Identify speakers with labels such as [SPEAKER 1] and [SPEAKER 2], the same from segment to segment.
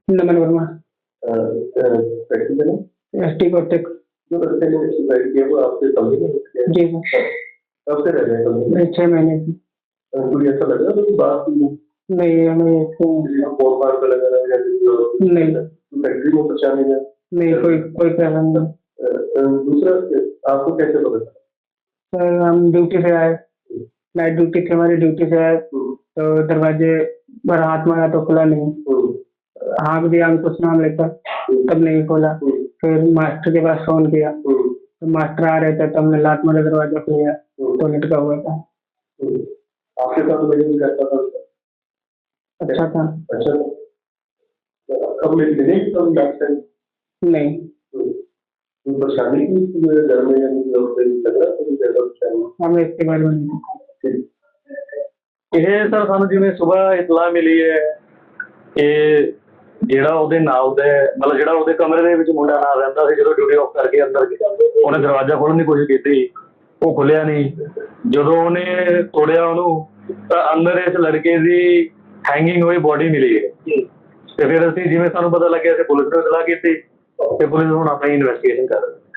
[SPEAKER 1] नमन Verma.
[SPEAKER 2] Factory में ना
[SPEAKER 1] ST कोटेक।
[SPEAKER 2] जो लड़के ने सुसाइड किया वो आपके कमरे में किया?
[SPEAKER 1] जी सर।
[SPEAKER 2] कब से रह रहे हैं कमरे में?
[SPEAKER 1] 6 महीने से।
[SPEAKER 2] कोई ऐसा लग रहा है कि बात की
[SPEAKER 1] नहीं हमें
[SPEAKER 2] किसी को फोन फाड़ पे लगा रहा है या किसी
[SPEAKER 1] नहीं
[SPEAKER 2] फैक्ट्री में परेशानी है?
[SPEAKER 1] नहीं कोई कोई प्रॉब्लम नहीं।
[SPEAKER 2] दूसरा आपको कैसे पता चला?
[SPEAKER 1] सर हम ड्यूटी से आए, नाइट ड्यूटी थी हमारी, ड्यूटी से आए तो दरवाजे पर हाथ मारा तो खुला नहीं, हाँक दिया हम कुछ नाम लेकर तब नहीं खोला। फिर मास्टर के पास फोन किया तो मास्टर आ रहे थे तब हमने लात मारा, दरवाजा खुल गया तो लटका हुआ था।
[SPEAKER 2] आपके साथ लेकिन कैसा था उसका?
[SPEAKER 1] अच्छा था।
[SPEAKER 2] अच्छा था। कब मिले कब लास्ट टाइम?
[SPEAKER 1] नहीं
[SPEAKER 2] कोई परेशानी थी घर में या किसी और से लग रहा था कि ज्यादा परेशानी?
[SPEAKER 1] हमें इसके बारे में नहीं।
[SPEAKER 3] ਇਹ ਸਰ ਸਾਨੂੰ ਜਿਵੇਂ ਸਵੇਰ ਇਤਲਾਹ ਮਿਲੀ ਹੈ ਕਿ ਜਿਹੜਾ ਉਹਦੇ ਨਾਲ ਦਾ ਮਤਲਬ ਜਿਹੜਾ ਉਹਦੇ ਕਮਰੇ ਦੇ ਵਿੱਚ ਮੁੰਡਾ ਨਾਲ ਰਹਿੰਦਾ ਸੀ, ਜਦੋਂ ਡਿਊਟੀ ਆਫ ਕਰਕੇ ਅੰਦਰ ਗਿਆ ਉਹਨੇ ਦਰਵਾਜ਼ਾ ਖੋਲ੍ਹਣ ਦੀ ਕੋਸ਼ਿਸ਼ ਕੀਤੀ, ਉਹ ਖੁੱਲਿਆ ਨਹੀਂ। ਜਦੋਂ ਉਹਨੇ ਤੋੜਿਆ ਉਹਨੂੰ ਤਾਂ ਅੰਦਰ ਇਸ ਲੜਕੇ ਦੀ ਹੈਂਗਿੰਗ ਹੋਈ ਬੋਡੀ ਮਿਲੀ ਹੈ। ਤੇ ਫਿਰ ਅਸੀਂ ਜਿਵੇਂ ਸਾਨੂੰ ਪਤਾ ਲੱਗਿਆ ਅਸੀਂ ਪੁਲਿਸ ਨੂੰ ਇਤਲਾਹ ਕੀਤੀ ਤੇ ਪੁਲਿਸ ਹੁਣ ਆਪਣੀ ਇਨਵੈਸਟੀਗੇਸ਼ਨ ਕਰ ਰਹੀ ਹੈ।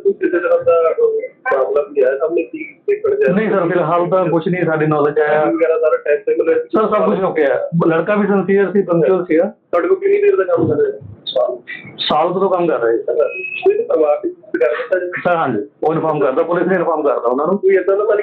[SPEAKER 3] नहीं सर फिलहाल तो कुछ नहीं साड़ी नॉलेज आया सर, सब कुछ ओके है। लड़का भी सिंसियर सी पंक्चुअल सी साल तो काम कर रहे सर। हाँ जी वो इन्फॉर्म करता, पुलिस ने इन्फॉर्म करता उन्होंने।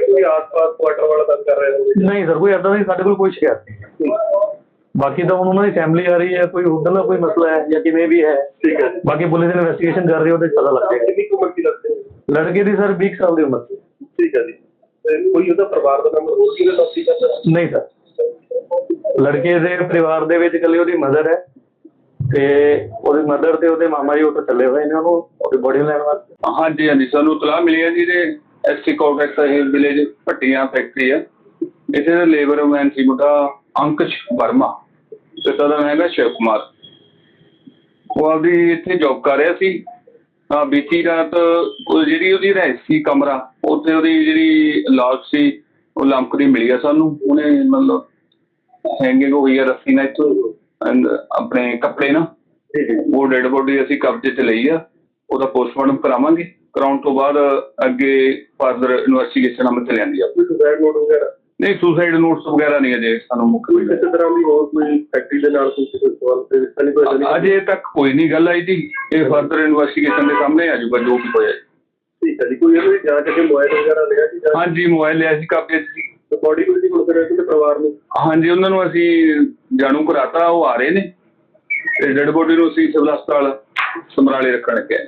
[SPEAKER 3] नहीं सर कोई ऐसा नहीं, साढ़े कोल कोई शिकायत नहीं। बाकी तो उन्होंने फैमिली आ रही है, कोई उधर का कोई मसला है या किमें भी है, ठीक है। बाकी पुलिस इन्वेस्टिगेशन कर रही है, पता लग जाएगा। लड़के की सर 20 साल की उम्र थी।
[SPEAKER 2] ठीक है जी। कोई ਉਹਦਾ ਪਰਿਵਾਰ ਦਾ ਮੈਂਬਰ ਹੋਰ ਕਿਹਦੇ ਸਾਥੀ ਕਰਦਾ?
[SPEAKER 3] ਨਹੀਂ ਸਰ ਲੜਕੇ ਦੇ ਪਰਿਵਾਰ ਦੇ ਵਿੱਚ ਇਕੱਲੀ ਉਹਦੀ ਮਦਰ ਹੈ ਤੇ ਉਹਦੀ ਮਦਰ ਤੇ ਉਹਦੇ ਮਾਮਾ ਜੀ ਉੱਥੇ ਚੱਲੇ ਹੋਏ ਨੇ ਉਹਨੂੰ ਉਹਦੀ ਬੋਡੀ ਲੈਣ ਵਾਸਤੇ।
[SPEAKER 4] ਹਾਂਜੀ ਹਾਂਜੀ ਸਾਨੂੰ ਇਤਲਾਹ ਮਿਲੀ ਹੈ ਜੀ ਦੇ ST Cotex village Bhattian factory ਆ, ਇੱਥੇ ਦਾ ਲੇਬਰਮੈਨ ਸੀ ਮੁੰਡਾ ਅੰਕਸ਼ ਵਰਮਾ, ਪਿਤਾ ਦਾ ਨਾਮ ਹੈਗਾ ਸ਼ਿਵ ਕੁਮਾਰ। ਉਹ ਆਪਦੀ ਇੱਥੇ ਜੋਬ ਕਰ ਰਿਹਾ ਸੀ। ਬੀਤੀ ਰਾਤ ਜਿਹੜੀ ਉਹਦੀ ਰਿਹਾਇਸ਼ ਸੀ ਕਮਰਾ, ਉੱਥੇ ਉਹਦੀ ਜਿਹੜੀ ਲਾਸ਼ ਸੀ ਉਹ ਲਮਕਦੀ ਮਿਲੀ ਆ ਸਾਨੂੰ। ਉਹਨੇ ਮਤਲਬ ਹੈਂਗਿੰਗ ਹੋਈ ਆ ਰੱਸੀ ਨਾਲ ਇੱਥੋਂ ਆਪਣੇ ਕੱਪੜੇ ਨਾਲ। ਉਹ ਡੈਡ ਬੋਡੀ ਅਸੀਂ ਕਬਜ਼ੇ 'ਚ ਲਈ ਆ, ਉਹਦਾ ਪੋਸਟਮਾਰਟਮ ਕਰਾਵਾਂਗੇ। ਕਰਾਉਣ ਤੋਂ ਬਾਅਦ ਅੱਗੇ ਫਰਦਰ ਇਨਵੈਸਟੀਗੇਸ਼ਨ ਅਮਲ 'ਚ ਲਿਆਂਦੀ ਆ।
[SPEAKER 2] ਸੁਸਾਈਡ ਨੋਟ ਵਗੈਰਾ?
[SPEAKER 4] ਨਹੀਂ ਸੁਸਾਈਡ ਨੋਟਸ ਵਗੈਰਾ ਨਹੀਂ ਅਜੇ ਸਾਨੂੰ ਮੁੱਖ
[SPEAKER 2] ਕਿਸੇ ਤਰ੍ਹਾਂ ਦੀ ਹੋਰ ਕੋਈ ਫੈਕਟਰੀ ਦੇ ਨਾਲ ਕੋਈ ਸਵਾਲ ਤੇ ਨਹੀਂ ਕੋਈ?
[SPEAKER 4] ਅਜੇ ਤੱਕ ਕੋਈ ਨਹੀਂ ਗੱਲ ਆਈ ਜੀ, ਇਹ ਫਰਦਰ ਇਨਵੈਸਟੀਗੇਸ਼ਨ ਦੇ ਸਾਹਮਣੇ ਆ ਜਾਊਗਾ ਜੋ ਵੀ ਹੋਇਆ।
[SPEAKER 2] ਠੀਕ ਹੈ ਜੀ। ਕੋਈ ਇਹਦੀ ਜਾਂਚ ਕੇ ਮੋਬਾਈਲ ਵਗੈਰਾ ਲਿਆ ਜੀ?
[SPEAKER 4] ਹਾਂਜੀ ਮੋਬਾਈਲ ਲਿਆ ਸੀ ਕਬਜ਼ੇ 'ਚ ਜੀ।
[SPEAKER 2] ਬੋਡੀ ਕੋਈ ਹੁਣ ਫਿਰ ਇਹਦੇ ਪਰਿਵਾਰ ਨੂੰ?
[SPEAKER 4] ਹਾਂਜੀ ਉਹਨਾਂ ਨੂੰ ਅਸੀਂ ਜਾਣੂ ਕਰਾਤਾ, ਉਹ ਆ ਰਹੇ ਨੇ ਤੇ ਡੈਡ ਬੋਡੀ ਨੂੰ ਅਸੀਂ ਸਿਵਲ ਹਸਪਤਾਲ ਸਮਰਾਲੇ ਰੱਖਣ ਲੱਗੇ।